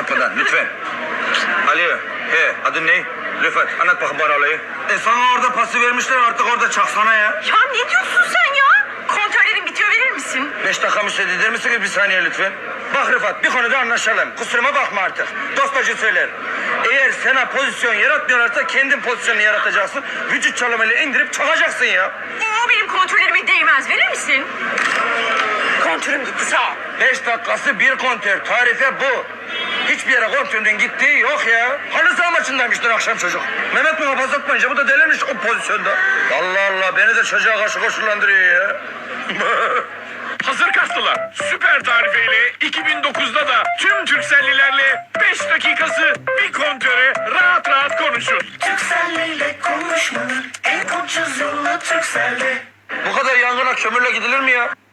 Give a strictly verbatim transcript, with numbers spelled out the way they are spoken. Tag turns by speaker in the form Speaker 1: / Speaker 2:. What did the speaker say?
Speaker 1: uzatmadan lütfen. Alo, he adın ne? Rıfat, anlat bakayım bana olayı. E sana orada pası vermişler, artık orada çaksana ya.
Speaker 2: Ya ne diyorsun sen ya? Kontörlerin bitiyor, verir misin?
Speaker 1: Beş dakika müsaade eder misiniz bir saniye lütfen? Bak Rıfat, bir konuda anlaşalım. Kusuruma bakma artık. Dostacı söyler. Eğer sana pozisyon yaratmıyorlarsa kendin pozisyonunu yaratacaksın. Vücut çalımıyla indirip çakacaksın ya.
Speaker 2: O benim kontörlerime değmez, verir misin? Kontörüm gitti, sağ ol.
Speaker 1: Beş dakikası bir kontör. Tarife bu. Hiçbir yere kontörün gittiği yok ya. Halı saha maçındaymış dün akşam çocuk. Mehmet muhafaza etmeyince bu da delirmiş o pozisyonda. Allah Allah, beni de çocuğa karşı koşullandırıyor ya.
Speaker 3: Hazır kastılar. Süper tarifeyle iki bin dokuzda da tüm Türkcellilerle beş dakikası bir kontöre rahat rahat konuşun.
Speaker 4: Türkcelliyle konuşmanın en ucuz yolu Türkcell'de.
Speaker 1: Bu kadar yangına kömürle gidilir mi ya?